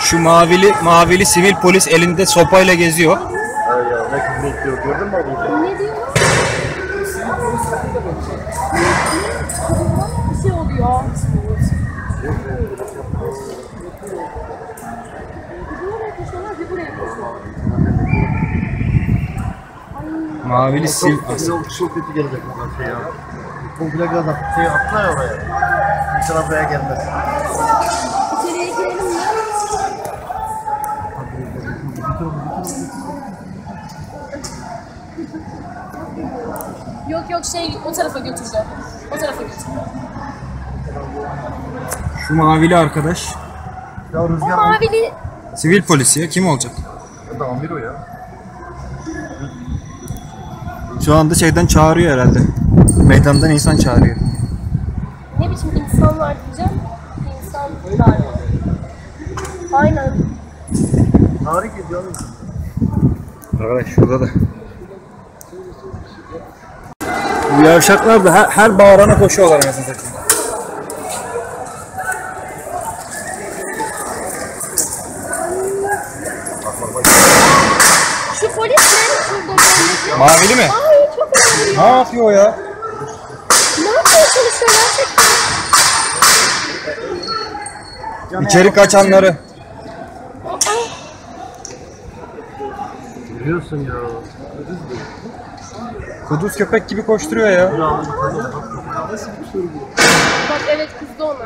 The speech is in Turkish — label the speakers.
Speaker 1: Şu mavili sivil polis elinde sopayla geziyor.
Speaker 2: Ay ya ne kız bekliyor gördün mü abi?
Speaker 3: Ne diyor? Bir şey oluyor. Bir buraya koşuyorlar.
Speaker 1: Mavili sivil...
Speaker 2: Çok kötü gelecek bu şey ya. Komple gaz at. Şey atla ya oraya. İnşallah buraya gelmez.
Speaker 3: İçeriye girelim mi? Yok şey o tarafa götüreceğim. O tarafa götüreceğim.
Speaker 1: Şu mavili arkadaş
Speaker 2: Ya
Speaker 3: O
Speaker 2: rüzgar
Speaker 3: mavili
Speaker 1: sivil polis ya. Kim olacak?
Speaker 2: o da amir o ya.
Speaker 1: Şu anda şeyden çağırıyor herhalde. Meydandan insan çağırıyor.
Speaker 3: ne biçim insanlar diyeceğim? İnsanlar. Aynen.
Speaker 2: Tarih ediyor mu?
Speaker 1: Arkadaş şurada da. Bu yavşaklar da her bağırana koşuyorlar mesela.
Speaker 3: Şu polis ne? Şurada gördüğünüz.
Speaker 1: Mavili mi?
Speaker 3: Ay çok önemli.
Speaker 1: Ne yapıyor o ya?
Speaker 3: Ne yapmaya çalışıyor gerçekten?
Speaker 1: İçeri kaçanları.
Speaker 2: Görüyorsun ya.
Speaker 1: Kuduz köpek gibi koşturuyor ya.
Speaker 3: Bak evet kızdı ona.